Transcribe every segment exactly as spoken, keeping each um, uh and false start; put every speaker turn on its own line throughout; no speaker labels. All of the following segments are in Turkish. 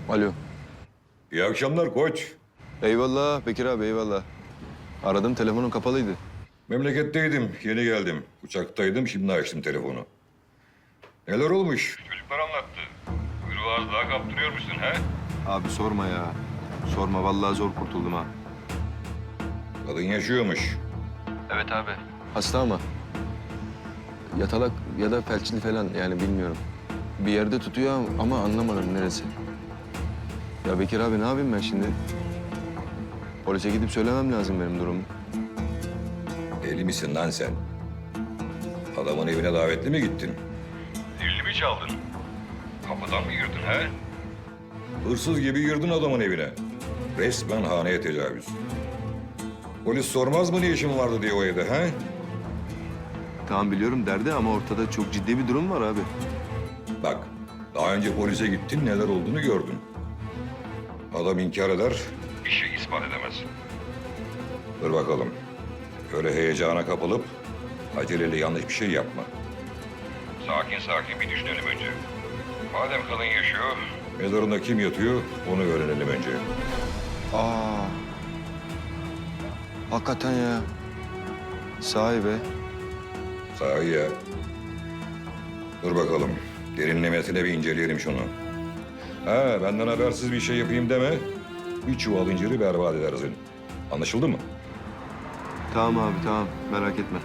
Alo.
İyi akşamlar koç.
Eyvallah Bekir abi eyvallah. Aradım telefonun kapalıydı.
Memleketteydim, yeni geldim. Uçaktaydım, şimdi açtım telefonu. Neler olmuş? Çocuklar anlattı. Kuyruğu az daha kaptırıyormuşsun he?
Abi sorma ya. Sorma vallahi zor kurtuldum ha.
Kadın yaşıyormuş.
Evet abi. Hasta ama. Yatalak ya da felçli falan yani bilmiyorum. Bir yerde tutuyor ama anlamadım neresi. Ya Bekir abi ne yapayım ben şimdi? Polise gidip söylemem lazım benim durumu.
Deli misin lan sen? Adamın evine davetli mi gittin? Zilli mi çaldın? Kapıdan mı girdin he? Hırsız gibi girdin adamın evine. Resmen haneye tecavüz. Polis sormaz mı ne işin vardı diye o evde he?
Tamam biliyorum derdi ama ortada çok ciddi bir durum var abi.
Bak, daha önce polise gittin, neler olduğunu gördün. Adam inkar eder, işi ispat edemez. Dur bakalım. Öyle heyecana kapılıp aceleyle yanlış bir şey yapma. Sakin sakin bir düşünelim önce. Madem kadın yaşıyor, mezarında kim yatıyor onu öğrenelim önce.
Aa. Hakikaten ya. Sahi be.
Sahi ya. Dur bakalım. Derinlemesine bir inceleyelim şunu. Ha, benden habersiz bir şey yapayım deme. Bir çuval inciri berbat edersin. Anlaşıldı mı?
Tamam abi tamam merak etme.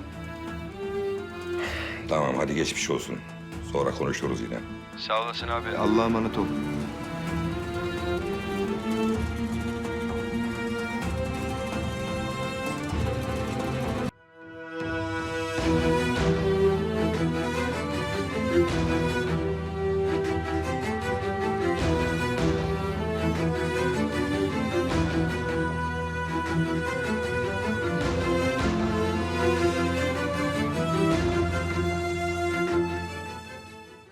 Tamam, hadi geçmiş olsun. Sonra konuşuruz yine.
Sağ olasın abi. Allah'a emanet ol.